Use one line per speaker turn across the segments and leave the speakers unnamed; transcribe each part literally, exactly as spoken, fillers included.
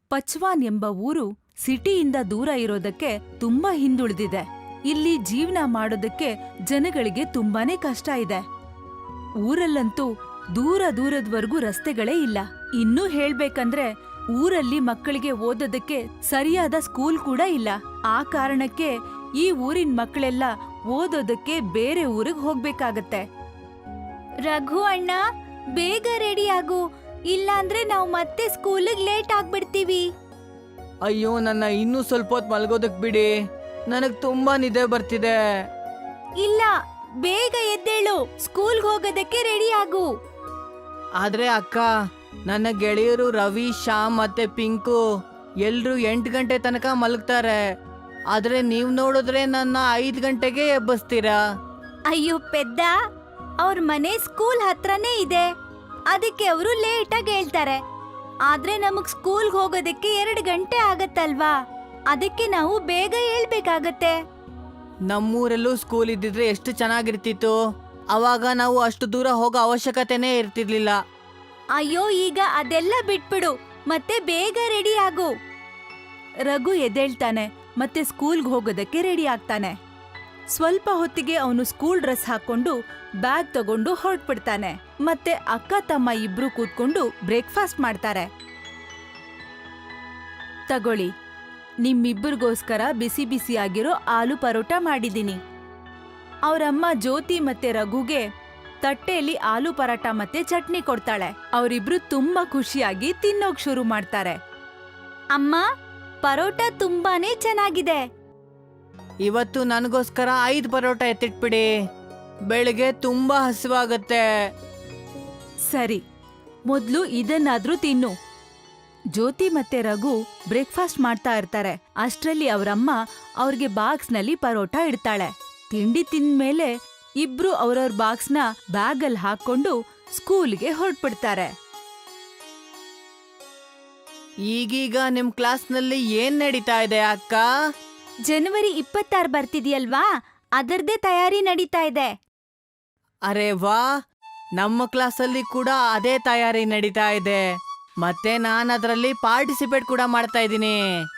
ಪಚ್ವಾನ್ ಎಂಬ ಊರು ಸಿಟಿಯಿಂದ ದೂರ ಇರೋದಕ್ಕೆ ತುಂಬಾ ಹಿಂದುಳಿದಿದೆ. ಇಲ್ಲಿ ಜೀವನ ಮಾಡೋದಕ್ಕೆ ಜನಗಳಿಗೆ ತುಂಬಾನೇ ಕಷ್ಟ ಇದೆ. ಊರಲ್ಲಂತೂ ದೂರ ದೂರದ್ವರೆಗೂ ರಸ್ತೆಗಳೇ ಇಲ್ಲ. ಇನ್ನೂ ಹೇಳ್ಬೇಕಂದ್ರೆ ಊರಲ್ಲಿ ಮಕ್ಕಳಿಗೆ ಓದೋದಕ್ಕೆ ಸರಿಯಾದ ಸ್ಕೂಲ್ ಕೂಡ ಇಲ್ಲ. ಆ ಕಾರಣಕ್ಕೆ ಈ ಊರಿನ ಮಕ್ಕಳೆಲ್ಲ ಓದೋದಕ್ಕೆ ಬೇರೆ ಊರಿಗೆ ಹೋಗ್ಬೇಕಾಗತ್ತೆ. ರಘು ಅಣ್ಣ, ಬೇಗ ರೆಡಿ ಆಗು, ಇಲ್ಲಾಂದ್ರೆ ನಾವು ಮತ್ತೆ ಸ್ಕೂಲಿಗೆ ಲೇಟ್ ಆಗ್ಬಿಡ್ತೀವಿ.
ಅಯ್ಯೋ, ನನ್ನ ಇನ್ನೂ ಸ್ವಲ್ಪ ಹೊತ್ತು ಮಲ್ಗೋದಕ್ ಬಿಡಿ, ನನಗ್ ತುಂಬಾ ನಿದ್ದೆ ಬರ್ತಿದೆ.
ಇಲ್ಲ, ಬೇಗ ಎದ್ದೇಳು, ಸ್ಕೂಲ್ಗೆ ಹೋಗೋದಕ್ಕೆ ರೆಡಿ ಆಗು.
ಆದ್ರೆ ಅಕ್ಕ, ನನ್ನ ಗೆಳೆಯರು ರವಿ, ಶ್ಯಾಮ್ ಮತ್ತೆ ಪಿಂಕು ಎಲ್ರು ಎಂಟು ಗಂಟೆ ತನಕ ಮಲಗ್ತಾರೆ. ಆದ್ರೆ ನೀವ್ ನೋಡಿದ್ರೆ ನನ್ನ ಐದ್ ಗಂಟೆಗೆ ಎಬ್ಬಿಸ್ತೀರಾ.
ಅಯ್ಯೋ ಪೆದ್ದ, ಅವ್ರ ಮನೆ ಸ್ಕೂಲ್ ಹತ್ರನೇ ಇದೆ, ಅದಕ್ಕೆ ಅವರು ಲೇಟಾಗಿ ಹೇಳ್ತಾರೆ. ಆದ್ರೆ ನಮಗ್ ಸ್ಕೂಲ್ಗೆ ಹೋಗೋದಕ್ಕೆ ಎರಡು ಗಂಟೆ ಆಗತ್ತಲ್ವಾ, ಅದಕ್ಕೆ ನಾವು ಬೇಗ ಹೇಳ್ಬೇಕಾಗತ್ತೆ.
ನಮ್ಮೂರಲ್ಲೂ ಸ್ಕೂಲ್ ಇದ್ದಿದ್ರೆ ಎಷ್ಟು ಚೆನ್ನಾಗಿರ್ತಿತ್ತು. ಅವಾಗ ನಾವು ಅಷ್ಟು ದೂರ ಹೋಗೋ ಅವಶ್ಯಕತೆನೇ ಇರ್ತಿರ್ಲಿಲ್ಲ.
ಅಯ್ಯೋ, ಈಗ ಅದೆಲ್ಲ ಬಿಟ್ಬಿಡು, ಮತ್ತೆ ಬೇಗ ರೆಡಿ ಆಗು. ರಘು ಎದ್ದೇಳ್ತಾನೆ ಮತ್ತೆ ಸ್ಕೂಲ್ಗೆ ಹೋಗೋದಕ್ಕೆ ರೆಡಿ ಆಗ್ತಾನೆ. ಸ್ವಲ್ಪ ಹೊತ್ತಿಗೆ ಅವನು ಸ್ಕೂಲ್ ಡ್ರೆಸ್ ಹಾಕೊಂಡು ಬ್ಯಾಗ್ ತಗೊಂಡು ಹೊರಟ್ಬಿಡ್ತಾನೆ. ಮತ್ತೆ ಅಕ್ಕ ತಮ್ಮ ಇಬ್ರು ಕೂತ್ಕೊಂಡು ಬ್ರೇಕ್ಫಾಸ್ಟ್ ಮಾಡ್ತಾರೆ. ತಗೊಳ್ಳಿ, ನಿಮ್ಮಿಬ್ಬರಿಗೋಸ್ಕರ ಬಿಸಿ ಬಿಸಿಯಾಗಿರೋ ಆಲೂ ಪರೋಟ ಮಾಡಿದೀನಿ. ಅವರಮ್ಮ ಜ್ಯೋತಿ ಮತ್ತೆ ರಘುಗೆ ತಟ್ಟೆಯಲ್ಲಿ ಆಲೂ ಪರಾಟ ಮತ್ತೆ ಚಟ್ನಿ ಕೊಡ್ತಾಳೆ. ಅವರಿಬ್ರು ತುಂಬಾ ಖುಷಿಯಾಗಿ ತಿನ್ನೋಕ್ ಶುರು ಮಾಡ್ತಾರೆ. ಅಮ್ಮ, ಪರೋಟ ತುಂಬಾನೇ ಚೆನ್ನಾಗಿದೆ.
ಇವತ್ತು ನನಗೋಸ್ಕರ ಐದು ಪರೋಟ ಎತ್ತಿಟ್ಬಿಡಿ, ಬೆಳಿಗ್ಗೆ ತುಂಬಾ ಹಸಿವಾಗತ್ತೆ.
ಸರಿ, ಮೊದ್ಲು ಇದನ್ನಾದ್ರೂ ತಿನ್ನು. ಜ್ಯೋತಿ ಮತ್ತೆ ರಘು ಬ್ರೇಕ್ಫಾಸ್ಟ್ ಮಾಡ್ತಾ ಇರ್ತಾರೆ. ಅಷ್ಟ್ರಲ್ಲಿ ಅವರಮ್ಮ ಅವ್ರಿಗೆ ಬಾಕ್ಸ್ನಲ್ಲಿ ಪರೋಟ ಇಡ್ತಾಳೆ. ತಿಂಡಿ ತಿಂದ್ಮೇಲೆ ಇಬ್ರು ಅವ್ರವ್ರ ಬಾಕ್ಸ್ನ ಬ್ಯಾಗಲ್ಲಿ ಹಾಕೊಂಡು ಸ್ಕೂಲ್ಗೆ ಹೊರಟ್ಬಿಡ್ತಾರೆ.
ಈಗೀಗ ನಿಮ್ ಕ್ಲಾಸ್ನಲ್ಲಿ ಏನ್ ನಡೀತಾ ಇದೆ ಅಕ್ಕ?
ಜನವರಿ ಇಪ್ಪತ್ತಾರು ಬರ್ತಿದ್ಯಲ್ವಾ, ಅದರದೇ ತಯಾರಿ ನಡೀತಾ ಇದೆ.
ಅರೆ ವಾ, ನಮ್ಮ ಕ್ಲಾಸಲ್ಲಿ ಕೂಡ ಅದೇ ತಯಾರಿ ನಡೀತಾ ಇದೆ. ಮತ್ತೆ ನಾನು ಅದರಲ್ಲಿ ಪಾರ್ಟಿಸಿಪೇಟ್ ಕೂಡ ಮಾಡ್ತಾ ಇದ್ದೀನಿ.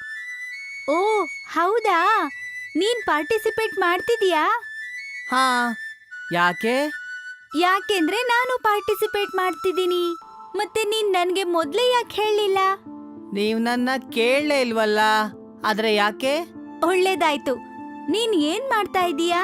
ಓ ಹೌದಾ, ನೀನ್ ಪಾರ್ಟಿಸಿಪೇಟ್ ಮಾಡ್ತಿದೀಯಾ?
ಹಾ, ಯಾಕೆ?
ಯಾಕೆಂದ್ರೆ ನಾನು ಪಾರ್ಟಿಸಿಪೇಟ್ ಮಾಡ್ತಿದ್ದೀನಿ. ಮತ್ತೆ ನೀನ್ ನನ್ಗೆ ಮೊದ್ಲೇ ಯಾಕೆ ಹೇಳಲಿಲ್ಲ?
ನೀವ್ ನನ್ನ ಕೇಳಲೇ ಇಲ್ವಲ್ಲ, ಆದ್ರೆ ಯಾಕೆ?
ಒಳ್ಳೇದಾಯ್ತು. ನೀನ್ ಏನ್ ಮಾಡ್ತಾ ಇದೀಯಾ?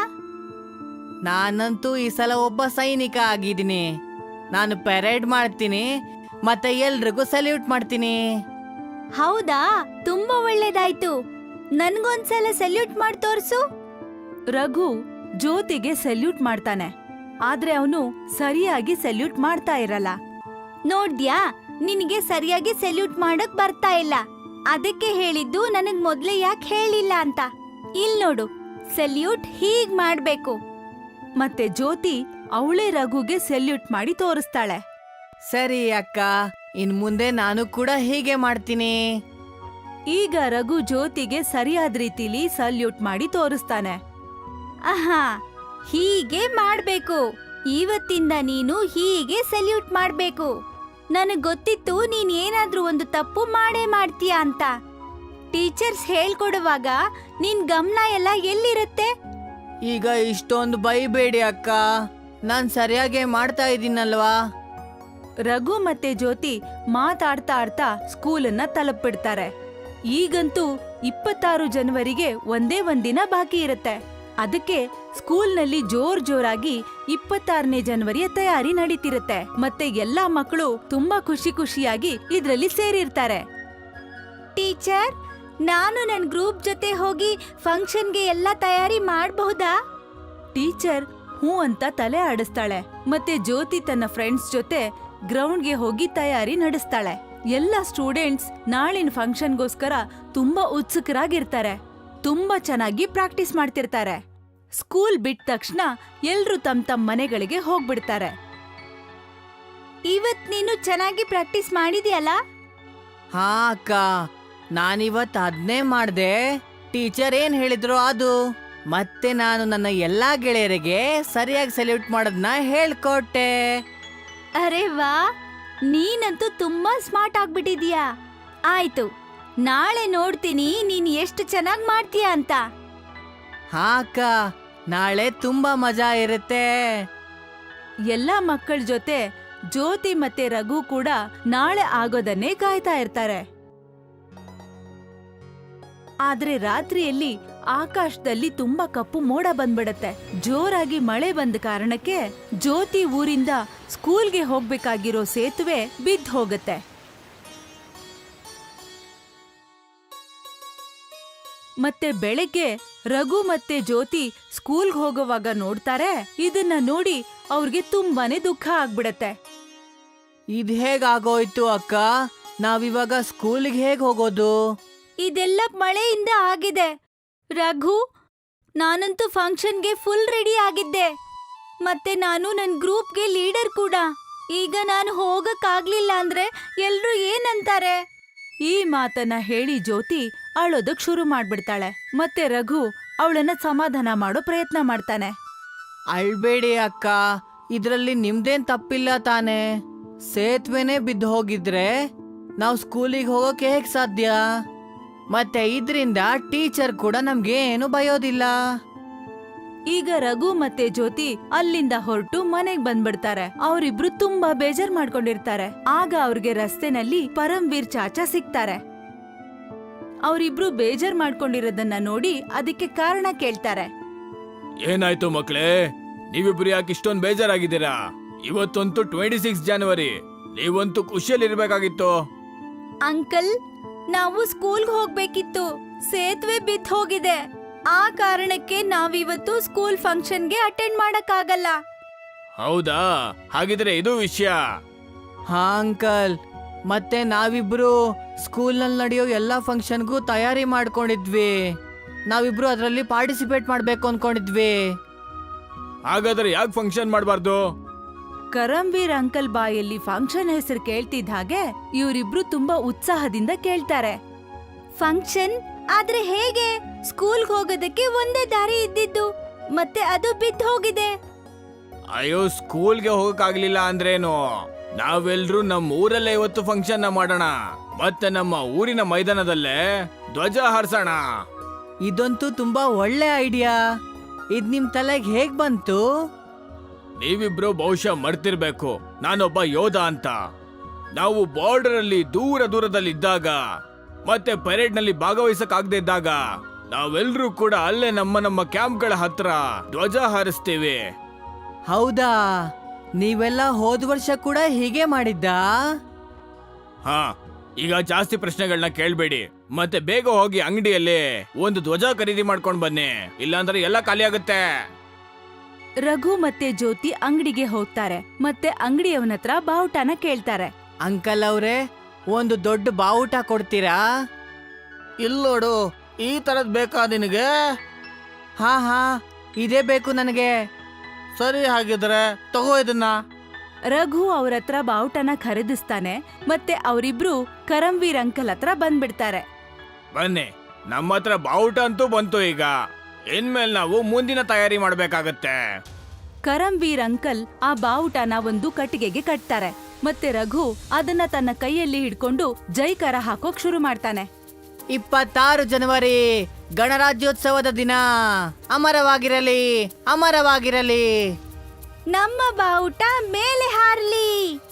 ನಾನಂತೂ ಈ ಸಲ ಒಬ್ಬ ಸೈನಿಕ ಆಗಿದ್ದೀನಿ. ನಾನು ಪೆರೇಡ್ ಮಾಡ್ತೀನಿ ಮತ್ತೆ ಎಲ್ರಿಗೂ ಸಲ್ಯೂಟ್ ಮಾಡ್ತೀನಿ.
ಹೌದಾ, ತುಂಬಾ ಒಳ್ಳೇದಾಯ್ತು. ನನ್ಗೊಂದ್ಸಲ ಸಲ್ಯೂಟ್ ಮಾಡಿ ತೋರ್ಸು. ರಘು ಜ್ಯೋತಿಗೆ ಸಲ್ಯೂಟ್ ಮಾಡ್ತಾನೆ, ಆದ್ರೆ ಅವನು ಸರಿಯಾಗಿ ಸಲ್ಯೂಟ್ ಮಾಡ್ತಾ ಇರಲ್ಲ. ನೋಡ್ದ್ಯಾ, ನಿನಗೆ ಸರಿಯಾಗಿ ಸಲ್ಯೂಟ್ ಮಾಡಕ್ ಬರ್ತಾ ಇಲ್ಲ. ಅದಕ್ಕೆ ಹೇಳಿದ್ದು ನನಗ್ ಮೊದ್ಲೇ ಯಾಕೆ ಹೇಳಿಲ್ಲ ಅಂತ. ಇಲ್ ನೋಡು, ಸಲ್ಯೂಟ್ ಹೀಗ್ ಮಾಡ್ಬೇಕು. ಮತ್ತೆ ಜ್ಯೋತಿ ಅವಳೇ ರಘುಗೆ ಸಲ್ಯೂಟ್ ಮಾಡಿ ತೋರಿಸ್ತಾಳೆ.
ಸರಿ ಅಕ್ಕ, ಇನ್ ಮುಂದೆ ನಾನು ಕೂಡ ಹೀಗೆ ಮಾಡ್ತೀನಿ.
ಈಗ ರಘು ಜ್ಯೋತಿಗೆ ಸರಿಯಾದ ರೀತಿಲಿ ಸಲ್ಯೂಟ್ ಮಾಡಿ ತೋರಿಸ್ತಾನೆ. ಆಹಾ, ಹೀಗೆ ಮಾಡ್ಬೇಕು. ಇವತ್ತಿಂದ ನೀನು ಹೀಗೆ ಸಲ್ಯೂಟ್ ಮಾಡ್ಬೇಕು. ನನಗ್ ಗೊತ್ತಿತ್ತು ನೀನ್ ಏನಾದ್ರೂ ಒಂದು ತಪ್ಪು ಮಾಡೇ ಮಾಡ್ತೀಯ ಅಂತ. ಟೀಚರ್ಸ್ ಹೇಳ್ಕೊಡುವಾಗ ನಿನ್ ಗಮನ ಎಲ್ಲ ಎಲ್ಲಿರುತ್ತೆ?
ಈಗ ಇಷ್ಟೊಂದು ಬೈಬೇಡಿ ಅಕ್ಕ, ನಾನ್ ಸರಿಯಾಗಿ ಮಾಡ್ತಾ ಇದ್ದೀನಲ್ವಾ?
ರಘು ಮತ್ತೆ ಜ್ಯೋತಿ ಮಾತಾಡ್ತಾ ಆಡ್ತಾ ಸ್ಕೂಲನ್ನ ತಲುಪಿಡ್ತಾರೆ. ಈಗಂತೂ ಇಪ್ಪತ್ತಾರು ಜನವರಿಗೆ ಒಂದೇ ಒಂದಿನ ಬಾಕಿ ಇರುತ್ತೆ. ಅದಕ್ಕೆ ಸ್ಕೂಲ್ನಲ್ಲಿ ಜೋರ್ ಜೋರಾಗಿ ಇಪ್ಪತ್ತಾರನೇ ಜನವರಿಯ ತಯಾರಿ ನಡೀತಿರುತ್ತೆ. ಮತ್ತೆ ಎಲ್ಲಾ ಮಕ್ಕಳು ತುಂಬಾ ಖುಷಿ ಖುಷಿಯಾಗಿ ಇದ್ರಲ್ಲಿ ಸೇರಿರ್ತಾರೆ. ಟೀಚರ್, ನಾನು ನನ್ ಗ್ರೂಪ್ ಜೊತೆ ಹೋಗಿ ಫಂಕ್ಷನ್ಗೆ ಎಲ್ಲ ತಯಾರಿ ಮಾಡಬಹುದಾ? ಟೀಚರ್ ಹೂ ಅಂತ ತಲೆ ಆಡಿಸ್ತಾಳೆ. ಮತ್ತೆ ಜ್ಯೋತಿ ತನ್ನ ಫ್ರೆಂಡ್ಸ್ ಜೊತೆ ಗ್ರೌಂಡ್ಗೆ ಹೋಗಿ ತಯಾರಿ ನಡೆಸ್ತಾಳೆ. ಎಲ್ಲ ಸ್ಟೂಡೆಂಟ್ಸ್ ನಾಳಿನ ಫಂಕ್ಷನ್ಗೋಸ್ಕರ ತುಂಬಾ ಉತ್ಸುಕರಾಗಿರ್ತಾರೆ. ತುಂಬಾ ಚೆನ್ನಾಗಿ ಪ್ರಾಕ್ಟೀಸ್ ಮಾಡ್ತಿರ್ತಾರೆ. ಸ್ಕೂಲ್ ಬಿಟ್ಟ ತಕ್ಷಣ ಎಲ್ರೂ ತಮ್ಮ ತಮ್ಮ ಮನೆಗಳಿಗೆ ಹೋಗ್ಬಿಡ್ತಾರೆ. ಇವತ್ ನೀನು ಚೆನ್ನಾಗಿ ಪ್ರಾಕ್ಟೀಸ್ ಮಾಡಿದ್ಯಲ್ಲ?
ಹಾ ಅಕ್ಕ, ನಾನಿವತ್ ಅದ್ನೇ ಮಾಡ್ದೆ. ಟೀಚರ್ ಏನ್ ಹೇಳಿದ್ರು ಅದು. ಮತ್ತೆ ನಾನು ನನ್ನ ಎಲ್ಲಾ ಗೆಳೆಯರಿಗೆ ಸರಿಯಾಗಿ ಸಲ್ಯೂಟ್ ಮಾಡೋದನ್ನ ಹೇಳ್ಕೊಟ್ಟೆ.
ಅರೆ ವಾ, ನೀನಂತೂ ತುಂಬಾ ಸ್ಮಾರ್ಟ್ ಆಗ್ಬಿಟ್ಟಿದ್ಯಾ. ಆಯ್ತು, ನಾಳೆ ನೋಡ್ತೀನಿ ನೀನ್ ಎಷ್ಟು ಚೆನ್ನಾಗ್ ಮಾಡ್ತೀಯ ಅಂತ.
ಹಾ ಅಕ್ಕ, ನಾಳೆ ತುಂಬಾ ಮಜಾ ಇರುತ್ತೆ.
ಎಲ್ಲಾ ಮಕ್ಕಳ ಜೊತೆ ಜ್ಯೋತಿ ಮತ್ತೆ ರಘು ಕೂಡ ನಾಳೆ ಆಗೋದನ್ನೇ ಕಾಯ್ತಾ ಇರ್ತಾರೆ. ಆದ್ರೆ ರಾತ್ರಿಯಲ್ಲಿ ಆಕಾಶದಲ್ಲಿ ತುಂಬಾ ಕಪ್ಪು ಮೋಡ ಬಂದ್ಬಿಡತ್ತೆ. ಜೋರಾಗಿ ಮಳೆ ಬಂದ ಕಾರಣಕ್ಕೆ ಜ್ಯೋತಿ ಊರಿಂದ ಸ್ಕೂಲ್ಗೆ ಹೋಗ್ಬೇಕಾಗಿರೋ ಸೇತುವೆ ಬಿದ್ದು ಹೋಗತ್ತೆ. ಮತ್ತೆ ಬೆಳಗ್ಗೆ ರಘು ಮತ್ತೆ ಜ್ಯೋತಿ ಸ್ಕೂಲ್ಗೆ ಹೋಗೋವಾಗ ನೋಡ್ತಾರೆ. ಇದನ್ನ ನೋಡಿ ಅವ್ರಿಗೆ ತುಂಬಾನೇ ದುಃಖ ಆಗ್ಬಿಡತ್ತೆ.
ಇದ್ ಹೇಗಾಗೋಯ್ತು ಅಕ್ಕ? ನಾವಿವಾಗ ಸ್ಕೂಲಿಗೆ ಹೇಗ್ ಹೋಗೋದು?
ಇದೆಲ್ಲ ಮಳೆಯಿಂದ ಆಗಿದೆ ರಘು. ನಾನಂತೂ ಫಂಕ್ಷನ್ಗೆ ಫುಲ್ ರೆಡಿ ಆಗಿದ್ದೆ. ಮತ್ತೆ ನಾನು ನನ್ ಗ್ರೂಪ್ಗೆ ಲೀಡರ್ ಕೂಡ. ಈಗ ನಾನು ಹೋಗಕ್ಕಾಗ್ಲಿಲ್ಲ ಅಂದ್ರೆ ಎಲ್ರೂ ಏನಂತಾರೆ? ಈ ಮಾತನ್ನ ಹೇಳಿ ಜ್ಯೋತಿ ಅಳೋದಕ್ ಶುರು ಮಾಡ್ಬಿಡ್ತಾಳೆ. ಮತ್ತೆ ರಘು ಅವಳನ್ನ ಸಮಾಧಾನ ಮಾಡೋ ಪ್ರಯತ್ನ ಮಾಡ್ತಾನೆ.
ಅಳ್ಬೇಡಿ ಅಕ್ಕ, ಇದ್ರಲ್ಲಿ ನಿಮ್ದೇನ್ ತಪ್ಪಿಲ್ಲ ತಾನೆ. ಸೇತುವೆನೇ ಬಿದ್ದು ಹೋಗಿದ್ರೆ ನಾವು ಸ್ಕೂಲಿಗೆ ಹೋಗೋಕೆ ಹೇಗ್ ಸಾಧ್ಯ? ಮತ್ತೆ ಇದ್ರಿಂದ ಟೀಚರ್ ಕೂಡ ನಮ್ಗೆ ಏನು ಬಯೋದಿಲ್ಲ.
ಈಗ ರಘು ಮತ್ತೆ ಜ್ಯೋತಿ ಅಲ್ಲಿಂದ ಹೊರಟು ಮನೆಗ್ ಬಂದ್ಬಿಡ್ತಾರೆ. ಅವರಿಬ್ರು ತುಂಬಾ ಬೇಜಾರ್ ಮಾಡ್ಕೊಂಡಿರ್ತಾರೆ. ಆಗ ಅವ್ರಿಗೆ ರಸ್ತೆನಲ್ಲಿ ಪರಮ್ವೀರ್ ಚಾಚಾ ಸಿಗ್ತಾರೆ. ಅವರಿಬ್ರು ಬೇಜಾರ್ ಮಾಡ್ಕೊಂಡಿರೋದನ್ನ ನೋಡಿ ಅದಕ್ಕೆ ಕಾರಣ ಕೇಳ್ತಾರೆ.
ಏನಾಯ್ತು ಮಕ್ಳೇ, ನೀವಿಬ್ರು ಯಾಕೆ ಇಷ್ಟೊಂದು ಬೇಜಾರಾಗಿದ್ದೀರಾ? ಇವತ್ತಂತೂ ಟ್ವೆಂಟಿ ಸಿಕ್ಸ್ ಜನವರಿ, ನೀವಂತೂ ಖುಷಿಯಲ್ಲಿ ಇರ್ಬೇಕಾಗಿತ್ತು.
ಅಂಕಲ್, ನಾವು ಸ್ಕೂಲ್ಗೆ ಹೋಗ್ಬೇಕಿತ್ತು. ಸೇತುವೆ ಬಿದ್ದು ಹೋಗಿದೆ. ಆ ಕಾರಣಕ್ಕೆ ನಾವಿವತ್ತು ಸ್ಕೂಲ್ ಫಂಕ್ಷನ್ಗೆ ಅಟೆಂಡ್ ಮಾಡಕ್ಕಾಗಲ್ಲ.
ಹೌದಾ? ಹಾಗಿದ್ರೆ ಇದು ವಿಷಯ.
ಹಾ ಅಂಕಲ್, ಮತ್ತೆ ನಾವಿಬ್ರು ಸ್ಕೂಲ್ನಲ್ಲಿ ನಡೆಯೋ ಎಲ್ಲಾ ಫಂಕ್ಷನ್ಗೂ ತಯಾರಿ ಮಾಡ್ಕೊಂಡಿದ್ವಿ. ನಾವಿಬ್ರು ಅದರಲ್ಲಿ ಪಾರ್ಟಿಸಿಪೇಟ್ ಮಾಡ್ಬೇಕು ಅನ್ಕೊಂಡಿದ್ವಿ.
ಹಾಗಾದ್ರೆ ಯಾಕೆ ಫಂಕ್ಷನ್ ಮಾಡಬಾರ್ದು?
ಕರಂವೀರ್ ಅಂಕಲ್ ಬಾಯಲ್ಲಿ ಫಂಕ್ಷನ್ ಹೆಸರು ಕೇಳ್ತಿದ್ದ ಹಾಗೆ ಇವರಿಬ್ರು ತುಂಬಾ ಉತ್ಸಾಹದಿಂದ ಕೇಳ್ತಾರೆ. ಫಂಕ್ಷನ್ ಆದ್ರೆ ಹೇಗೆ? ಸ್ಕೂಲ್ಗೆ ಹೋಗೋದಕ್ಕೆ ಒಂದೇ ದಾರಿ ಇದ್ದಿದ್ದು, ಮತ್ತೆ ಅದು ಬಿದ್ದು ಹೋಗಿದೆ.
ಅಯ್ಯೋ, ಸ್ಕೂಲ್ಗೆ ಹೋಗಕ್ಕಾಗ್ಲಿಲ್ಲ ಅಂದ್ರೇನು? ನಾವೆಲ್ರೂ ನಮ್ಮ ಊರಲ್ಲೇ ಇವತ್ತು ಫಂಕ್ಷನ್ ನ ಮಾಡೋಣ. ಮತ್ತೆ ನಮ್ಮ ಊರಿನ ಮೈದಾನದಲ್ಲೇ ಧ್ವಜ ಹಾರಿಸೋಣ.
ಇದಂತೂ ತುಂಬಾ ಒಳ್ಳೆ ಐಡಿಯಾ. ಇದ್ ನಿಮ್ ತಲೆಗೆ ಹೇಗ್ ಬಂತು?
ನೀವಿಬ್ರು ಬಹುಶಃ ಮರ್ತಿರ್ಬೇಕು, ನಾನೊಬ್ಬ ಯೋಧ ಅಂತ. ನಾವು ಬಾರ್ಡರ್ ಅಲ್ಲಿ ದೂರ ದೂರದಲ್ಲಿ ಇದ್ದಾಗ ಮತ್ತೆ ಪರೇಡ್ ನಲ್ಲಿ ಭಾಗವಹಿಸಕ್ ಆಗದೆ ಇದ್ದಾಗ ನಾವೆಲ್ಲರೂ ಕೂಡ ಅಲ್ಲೇ ನಮ್ಮ ನಮ್ಮ ಕ್ಯಾಂಪ್ಗಳ ಹತ್ರ ಧ್ವಜ ಹಾರಿಸ್ತೀವಿ.
ಹೌದಾ? ನೀವೆಲ್ಲ ಹೋದ್ ವರ್ಷ ಕೂಡ ಹೀಗೆ ಮಾಡಿದ್ದಾ?
ಹಾ, ಈಗ ಜಾಸ್ತಿ ಪ್ರಶ್ನೆಗಳನ್ನ ಕೇಳ್ಬೇಡಿ. ಮತ್ತೆ ಬೇಗ ಹೋಗಿ ಅಂಗಡಿಯಲ್ಲಿ ಒಂದು ಧ್ವಜ ಖರೀದಿ ಮಾಡ್ಕೊಂಡ್ ಬನ್ನಿ, ಇಲ್ಲಾಂದ್ರೆ ಎಲ್ಲ ಖಾಲಿ ಆಗುತ್ತೆ.
ರಘು ಮತ್ತೆ ಜ್ಯೋತಿ ಅಂಗಡಿಗೆ ಹೋಗ್ತಾರೆ. ಮತ್ತೆ ಅಂಗಡಿಯವನತ್ರ ಬಾವುಟನ ಕೇಳ್ತಾರೆ.
ಅಂಕಲ್ ಅವ್ರೆ, ಒಂದು ದೊಡ್ಡ ಬಾವುಟ ಕೊಡ್ತೀರಾ?
ಇಲ್ಲೋಡು, ಈ ತರದ್ ಬೇಕಾ ನಿನಗೆ?
ಹಾ ಹಾ, ಇದೇ ಬೇಕು ನನಗೆ.
ಸರಿ, ಹಾಗಿದ್ರೆ ತಗೋ ಇದನ್ನ.
ರಘು ಅವ್ರ ಹತ್ರ ಬಾವುಟನ ಖರೀದಿಸ್ತಾನೆ. ಮತ್ತೆ ಅವರಿಬ್ರು ಕರಂವೀರ್ ಅಂಕಲ್ ಹತ್ರ ಬಂದ್ಬಿಡ್ತಾರೆ.
ಬನ್ನಿ, ನಮ್ಮ ಹತ್ರ ಬಾವುಟ ಅಂತೂ ಬಂತು. ಈಗ ಇನ್ಮೇಲೆ ನಾವು ಮುಂದಿನ ತಯಾರಿ ಮಾಡ್ಬೇಕಾಗತ್ತೆ.
ಕರಂವೀರ್ ಅಂಕಲ್ ಆ ಬಾವುಟನ ಒಂದು ಕಟ್ಟಿಗೆಗೆ ಕಟ್ತಾರೆ. ಮತ್ತೆ ರಘು ಅದನ್ನ ತನ್ನ ಕೈಯಲ್ಲಿ ಹಿಡ್ಕೊಂಡು ಜೈಕರ ಹಾಕೋಕ್ ಶುರು ಮಾಡ್ತಾನೆ.
ಇಪ್ಪತ್ತಾರು ಜನವರಿ ಗಣರಾಜ್ಯೋತ್ಸವದ ದಿನ. ಅಮರವಾಗಿರಲಿ, ಅಮರವಾಗಿರಲಿ.
ನಮ್ಮ ಬಾವುಟ ಮೇಲೆ ಹಾರ್ಲಿ.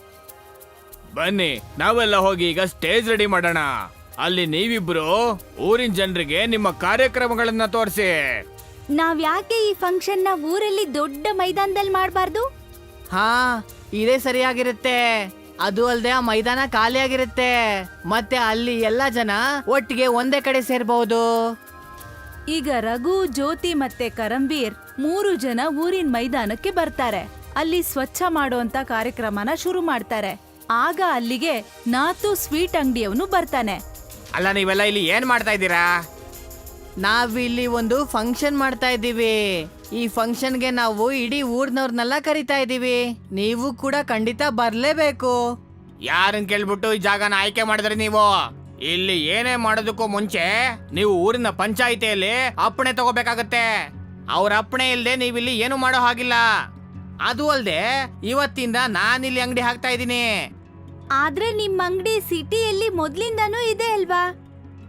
ಬನ್ನಿ, ನಾವೆಲ್ಲ ಹೋಗಿ ಈಗ ಸ್ಟೇಜ್ ರೆಡಿ ಮಾಡೋಣ. ಅಲ್ಲಿ ನೀವಿಬ್ರು ಊರಿನ ಜನರಿಗೆ ನಿಮ್ಮ ಕಾರ್ಯಕ್ರಮಗಳನ್ನ ತೋರಿಸಿ.
ನಾವ್ ಯಾಕೆ ಈ ಫಂಕ್ಷನ್ ನ ಊರಲ್ಲಿ ದೊಡ್ಡ ಮೈದಾನದಲ್ಲಿ ಮಾಡಬಾರ್ದು?
ಹಾ, ಇದೇ ಸರಿಯಾಗಿರುತ್ತೆ. ಅದು ಅಲ್ಲದೆ ಆ ಮೈದಾನ ಖಾಲಿಯಾಗಿರುತ್ತೆ. ಮತ್ತೆ ಅಲ್ಲಿ ಎಲ್ಲಾ ಜನ ಒಟ್ಟಿಗೆ ಒಂದೇ ಕಡೆ ಸೇರ್ಬಹುದು.
ಈಗ ರಘು, ಜ್ಯೋತಿ ಮತ್ತೆ ಕರಂವೀರ್ ಮೂರು ಜನ ಊರಿನ ಮೈದಾನಕ್ಕೆ ಬರ್ತಾರೆ. ಅಲ್ಲಿ ಸ್ವಚ್ಛ ಮಾಡುವಂತ ಕಾರ್ಯಕ್ರಮನ ಶುರು ಮಾಡ್ತಾರೆ. ಆಗ ಅಲ್ಲಿಗೆ ನಾತು ಸ್ವೀಟ್ ಅಂಗಡಿಯವನು ಬರ್ತಾನೆ.
ಅಲ್ಲ, ನೀವೆಲ್ಲ ಇಲ್ಲಿ ಏನ್ ಮಾಡ್ತಾ ಇದ್ದೀರಾ?
ನಾವಿಲ್ಲಿ ಒಂದು ಫಂಕ್ಷನ್ ಮಾಡ್ತಾ ಇದ್ದೀವಿ. ಈ ಫಂಕ್ಷನ್ಗೆ ನಾವು ಇಡೀ ಊರ್ನವ್ರನ್ನೆಲ್ಲ ಕರಿತಾ ಇದ್ದೀವಿ. ನೀವು ಕೂಡ ಖಂಡಿತ ಬರ್ಲೇಬೇಕು.
ಯಾರನ್ ಕೇಳ್ಬಿಟ್ಟು ಈ ಜಾಗನ ಆಯ್ಕೆ ಮಾಡಿದ್ರಿ ನೀವು? ಇಲ್ಲಿ ಏನೇ ಮಾಡೋದಕ್ಕೂ ಮುಂಚೆ ನೀವು ಊರಿನ ಪಂಚಾಯಿತಿಯಲ್ಲಿ ಅಪ್ಪಣೆ ತಗೋಬೇಕಾಗತ್ತೆ. ಅವ್ರ ಅಪ್ಪಣೆ ಇಲ್ದೆ ನೀವಿಲ್ಲಿ ಏನು ಮಾಡೋ ಹಾಗಿಲ್ಲ. ಅದು ಅಲ್ದೆ ಇವತ್ತಿಂದ ನಾನಿಲ್ಲಿ ಅಂಗಡಿ ಹಾಕ್ತಾ ಇದ್ದೀನಿ.
ಆದ್ರೆ ನಿಮ್ ಅಂಗಡಿ ಸಿಟಿಯಲ್ಲಿ ಮೊದ್ಲಿಂದಾನೂ ಇದೆ ಅಲ್ವಾ?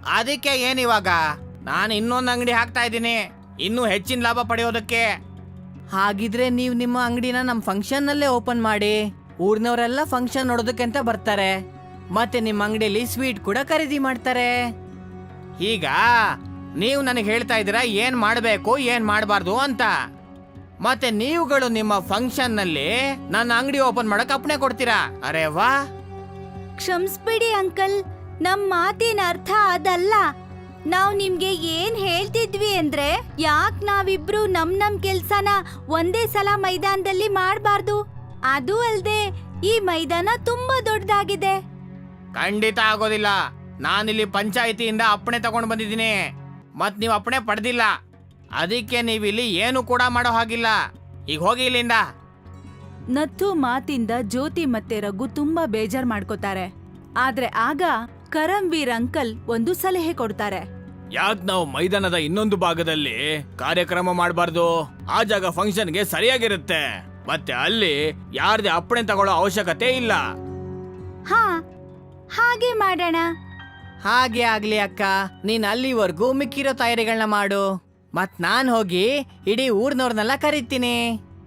ಅದಕ್ಕೆ ಏನಿವಾಗ ನಾನು ಇನ್ನೊಂದು ಅಂಗಡಿ ಹಾಕ್ತಾ ಇದ್ದೀನಿ, ಇನ್ನೂ ಹೆಚ್ಚಿನ ಲಾಭ ಪಡೆಯೋದಕ್ಕೆ. ಹಾಗಿದ್ರೆ ನೀವು ನಿಮ್ಮ ಅಂಗಡಿನ ನಮ್ಮ ಫಂಕ್ಷನ್ ನಲ್ಲೇ ಓಪನ್ ಮಾಡಿ, ಊರ್ನವರೆಲ್ಲ ಫಂಕ್ಷನ್ ನೋಡೋದಕ್ಕೆ ಅಂತ ಬರ್ತಾರೆ, ಮತ್ತೆ ನಿಮ್ಮ ಅಂಗಡಿಯಲ್ಲಿ ಸ್ವೀಟ್ ಕೂಡ ಖರೀದಿ ಮಾಡ್ತಾರೆ. ಈಗ ನೀವು ನನಗೆ ಹೇಳ್ತಾ ಇದ್ದೀರಾ ಏನ್ ಮಾಡಬೇಕು ಏನ್ ಮಾಡಬಾರ್ದು ಅಂತ. ಮತ್ತೆ ನೀವುಗಳು ನಿಮ್ಮ ಫಂಕ್ಷನ್ ನಲ್ಲಿ ನನ್ನ ಅಂಗಡಿ ಓಪನ್ ಮಾಡಕ್ ಅಪ್ಪಣೆ ಕೊಡ್ತೀರಾ? ಅರೆ ವಾ.
ಕ್ಷಮಿಸ್ಬಿಡಿ ಅಂಕಲ್, ನಮ್ ಮಾತಿನ ಅರ್ಥ ಅದಲ್ಲ. ನಾವ್ ನಿಮ್ಗೆ ಏನ್ ಹೇಳ್ತಿದ್ವಿ ಅಂದ್ರೆ, ಯಾಕ್ ನಾವಿಬ್ರು ನಮ್ ನಮ್ ಕೆಲ್ಸನ ಒಂದೇ ಸಲ ಮೈದಾನದಲ್ಲಿ ಮಾಡ್ಬಾರ್ದು. ಅದು ಅಲ್ದೆ ಈ ಮೈದಾನ ತುಂಬಾ ದೊಡ್ಡದಾಗಿದೆ.
ಖಂಡಿತ ಆಗೋದಿಲ್ಲ. ನಾನಿಲ್ಲಿ ಪಂಚಾಯಿತಿಯಿಂದ ಅಪ್ಪಣೆ ತಗೊಂಡು ಬಂದಿದ್ದೀನಿ, ಮತ್ ನೀವು ಅಪ್ಪಣೆ ಪಡೆದಿಲ್ಲ. ಅದಕ್ಕೆ ನೀವಿಲ್ಲಿ ಏನು ಕೂಡ ಮಾಡೋ ಹಾಗಿಲ್ಲ. ಈಗ ಹೋಗಿ ಇಲ್ಲಿಂದ.
ನತ್ತು ಮಾತಿಂದ ಜ್ಯೋತಿ ಮತ್ತೆ ರಘು ತುಂಬಾ ಬೇಜಾರ್ ಮಾಡ್ಕೋತಾರೆ. ಆದ್ರೆ ಆಗ ಕರಂವೀರ್ ಅಂಕಲ್ ಒಂದು ಸಲಹೆ ಕೊಡ್ತಾರೆ.
ಯಾಕೆ ನಾವು ಮೈದಾನದ ಇನ್ನೊಂದು ಭಾಗದಲ್ಲಿ ಕಾರ್ಯಕ್ರಮ ಮಾಡಬಾರ್ದು? ಆ ಜಾಗ ಫಂಕ್ಷನ್ಗೆ ಸರಿಯಾಗಿರುತ್ತೆ, ಮತ್ತೆ ಅಲ್ಲಿ ಯಾರ್ದೇ ಅಪ್ಪಣೆ ತಗೊಳ್ಳೋ ಅವಶ್ಯಕತೆ ಇಲ್ಲ.
ಹಾ, ಹಾಗೆ ಮಾಡೋಣ.
ಹಾಗೆ ಆಗ್ಲಿ ಅಕ್ಕ, ನೀನ್ ಅಲ್ಲಿವರೆಗೂ ಮಿಕ್ಕಿರೋ ತಯಾರಿಗಳನ್ನ ಮಾಡು, ಮತ್ ನಾನ್ ಹೋಗಿ ಇಡೀ ಊರ್ನವ್ರನ್ನೆಲ್ಲ ಕರೀತೀನಿ.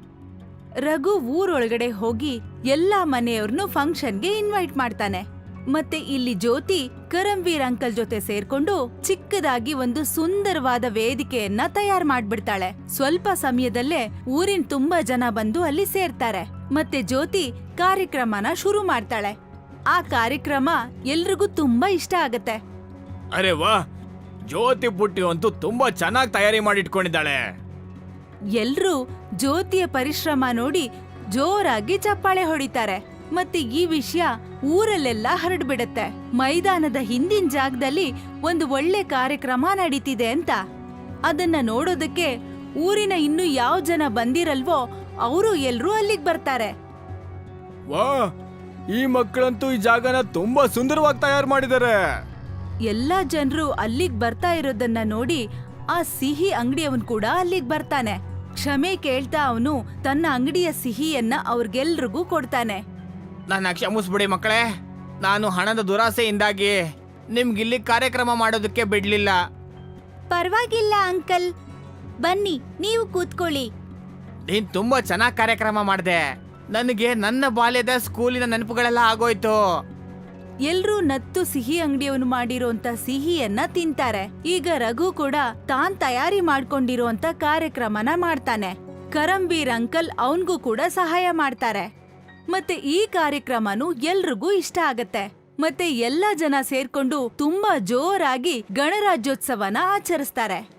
ರಘು ಊರೊಳಗಡೆ ಹೋಗಿ ಎಲ್ಲಾ ಮನೆಯವ್ರನ್ನು ಫಂಕ್ಷನ್ಗೆ ಇನ್ವೈಟ್ ಮಾಡ್ತಾನೆ. ಮತ್ತೆ ಇಲ್ಲಿ ಜ್ಯೋತಿ ಕರಂವೀರ್ ಅಂಕಲ್ ಜೊತೆ ಸೇರ್ಕೊಂಡು ಚಿಕ್ಕದಾಗಿ ಒಂದು ಸುಂದರವಾದ ವೇದಿಕೆಯನ್ನ ತಯಾರು ಮಾಡ್ಬಿಡ್ತಾಳೆ. ಸ್ವಲ್ಪ ಸಮಯದಲ್ಲೇ ಊರಿನ ತುಂಬಾ ಜನ ಬಂದು ಅಲ್ಲಿ ಸೇರ್ತಾರೆ. ಮತ್ತೆ ಜ್ಯೋತಿ ಕಾರ್ಯಕ್ರಮನ ಶುರು ಮಾಡ್ತಾಳೆ. ಆ ಕಾರ್ಯಕ್ರಮ ಎಲ್ರಿಗೂ ತುಂಬಾ ಇಷ್ಟ ಆಗತ್ತೆ.
ಅರೆ ವಾ, ಜ್ಯೋತಿ ಪುಟ್ಟಿ ಅಂತೂ ತುಂಬಾ ಚೆನ್ನಾಗಿ ತಯಾರಿ ಮಾಡಿಟ್ಕೊಂಡಿದ್ದಾಳೆ.
ಎಲ್ರೂ ಜ್ಯೋತಿಯ ಪರಿಶ್ರಮ ನೋಡಿ ಜೋರಾಗಿ ಚಪ್ಪಾಳೆ ಹೊಡಿತಾರೆ. ಮತ್ತೆ ಈ ವಿಷಯ ಊರಲ್ಲೆಲ್ಲ ಹರಡ್ಬಿಡತ್ತೆ. ಮೈದಾನದ ಹಿಂದಿನ ಜಾಗದಲ್ಲಿ ಒಂದು ಒಳ್ಳೆ ಕಾರ್ಯಕ್ರಮ ನಡೀತಿದೆ ಅಂತ. ಅದನ್ನ ನೋಡೋದಕ್ಕೆ ಊರಿನ ಇನ್ನು ಯಾವ ಜನ ಬಂದಿರಲ್ವೋ ಅವರು ಎಲ್ರೂ ಅಲ್ಲಿಗ್ ಬರ್ತಾರೆ.
ವಾ, ಈ ಮಕ್ಕಳಂತೂ ಈ ಜಾಗನ ತುಂಬಾ ಸುಂದರವಾಗಿ ತಯಾರು ಮಾಡಿದ್ದಾರೆ.
ಎಲ್ಲಾ ಜನರು ಅಲ್ಲಿಗ್ ಬರ್ತಾ ಇರೋದನ್ನ ನೋಡಿ ಆ ಸಿಹಿ ಅಂಗಡಿಯವನ್ ಕೂಡ ಅಲ್ಲಿಗ್ ಬರ್ತಾನೆ. ಕ್ಷಮೆ ಕೇಳ್ತಾ ಅವನು ತನ್ನ ಅಂಗಡಿಯ ಸಿಹಿಯನ್ನ ಅವ್ರಿಗೆಲ್ರಿಗೂ ಕೊಡ್ತಾನೆ.
ನನ್ನ ಕ್ಷಮಿಸ್ಬಿಡಿ ಮಕ್ಕಳೇ, ನಾನು ಹಣದ ದುರಾಸೆಯಿಂದಾಗಿ ನಿಮ್ಗಿಲ್ಲಿ ಕಾರ್ಯಕ್ರಮ ಮಾಡೋದಕ್ಕೆ ಬಿಡ್ಲಿಲ್ಲ.
ಪರವಾಗಿಲ್ಲ ಅಂಕಲ್, ಬನ್ನಿ ನೀವು ಕೂತ್ಕೊಳ್ಳಿ.
ನೀನ್ ತುಂಬಾ ಚೆನ್ನಾಗಿ ಕಾರ್ಯಕ್ರಮ ಮಾಡಿದೆ. ನನಗೆ ನನ್ನ ಬಾಲ್ಯದ ಸ್ಕೂಲಿನ ನೆನಪುಗಳೆಲ್ಲ ಆಗೋಯ್ತು.
ಎಲ್ರೂ ನತ್ತು ಸಿಹಿ ಅಂಗಡಿಯವನು ಮಾಡಿರೋಂತ ಸಿಹಿಯನ್ನ ತಿಂತಾರೆ. ಈಗ ರಘು ಕೂಡ ತಾನ್ ತಯಾರಿ ಮಾಡ್ಕೊಂಡಿರೋಂತ ಕಾರ್ಯಕ್ರಮನ ಮಾಡ್ತಾನೆ. ಕರಂವೀರ್ ಅಂಕಲ್ ಅವನ್ಗೂ ಕೂಡ ಸಹಾಯ ಮಾಡ್ತಾರೆ. ಮತ್ತೆ ಈ ಕಾರ್ಯಕ್ರಮನು ಎಲ್ರಿಗೂ ಇಷ್ಟ ಆಗತ್ತೆ. ಮತ್ತೆ ಎಲ್ಲಾ ಜನ ಸೇರ್ಕೊಂಡು ತುಂಬಾ ಜೋರಾಗಿ ಗಣರಾಜ್ಯೋತ್ಸವನ ಆಚರಿಸ್ತಾರೆ.